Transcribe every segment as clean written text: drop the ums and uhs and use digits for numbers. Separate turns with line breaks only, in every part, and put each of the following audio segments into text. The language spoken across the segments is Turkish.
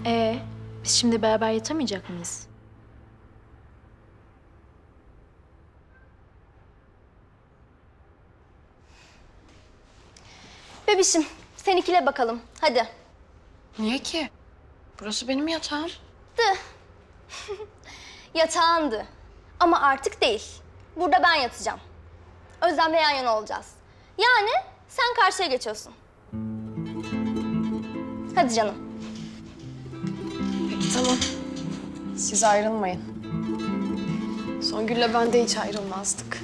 Biz şimdi beraber yatamayacak mıyız?
Bebişim, sen ikile bakalım. Hadi.
Niye ki? Burası benim yatağım.
Yatağındı. Ama artık değil. Burada ben yatacağım. Özlem'le yan yana olacağız. Yani sen karşıya geçiyorsun. Hadi canım.
Peki tamam. Siz ayrılmayın. Songül'le ben de hiç ayrılmazdık.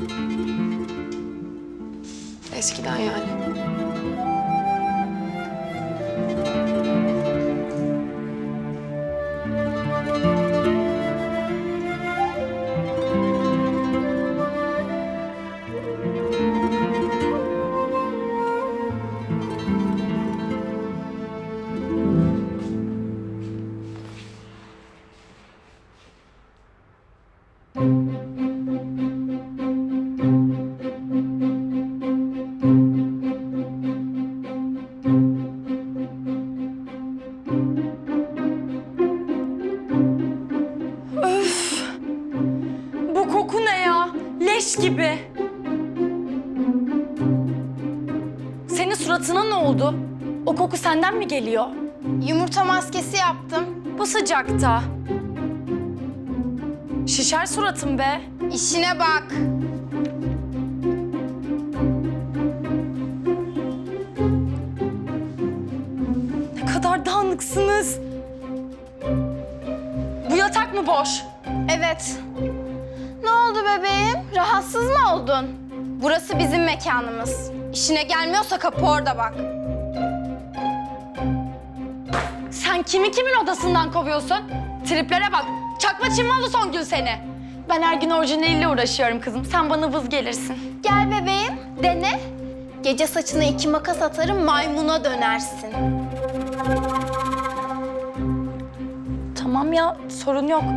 Eskiden yani.
Bu koku ne ya? Leş gibi. Senin suratına ne oldu? O koku senden mi geliyor?
Yumurta maskesi yaptım.
Bu sıcakta. Şişer suratım be.
İşine bak.
Ne kadar dağınıksınız. Bu yatak mı boş?
Evet. Ne oldu bebeğim? Rahatsız mı oldun? Burası bizim mekanımız. İşine gelmiyorsa kapı orada bak.
Sen kimin odasından kovuyorsun? Triplere bak. Çakma Çinmalı Songül seni. Ben her gün orijinaliyle uğraşıyorum kızım. Sen bana vız gelirsin.
Gel bebeğim, dene. Gece saçına 2 makas atarım, maymuna dönersin.
Tamam ya, sorun yok.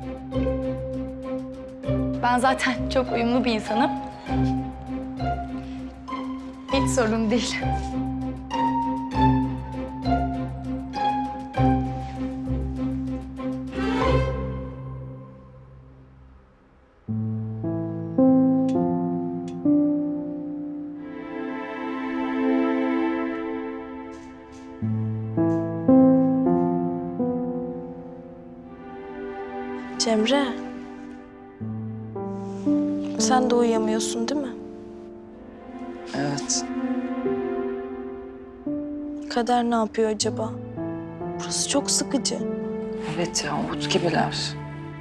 Ben zaten çok uyumlu bir insanım. Hiç sorun değil.
Cemre. Sen de uyuyamıyorsun değil mi?
Evet.
Kader ne yapıyor acaba? Burası çok sıkıcı.
Evet ya, umut gibiler.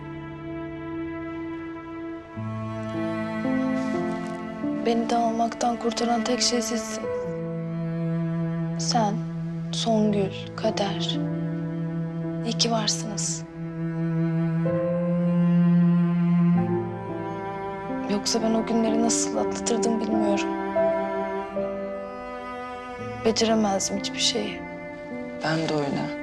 Beni dağılmaktan kurtaran tek şey sizsin. Sen, Songül, Kader. İyi ki varsınız. Yoksa ben o günleri nasıl atlatırdım bilmiyorum. Beceremezdim hiçbir şeyi.
Ben de öyle.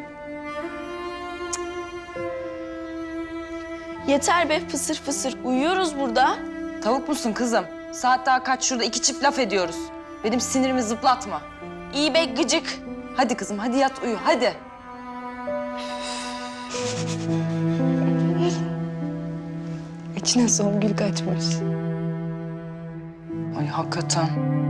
Yeter be fısır fısır. Uyuyoruz burada.
Tavuk musun kızım? Saat daha kaç, şurada 2 çift laf ediyoruz. Benim sinirimi zıplatma.
İyi be gıcık.
Hadi kızım, hadi yat uyu, hadi.
İçine Songül kaçmış.
Ay hakikaten.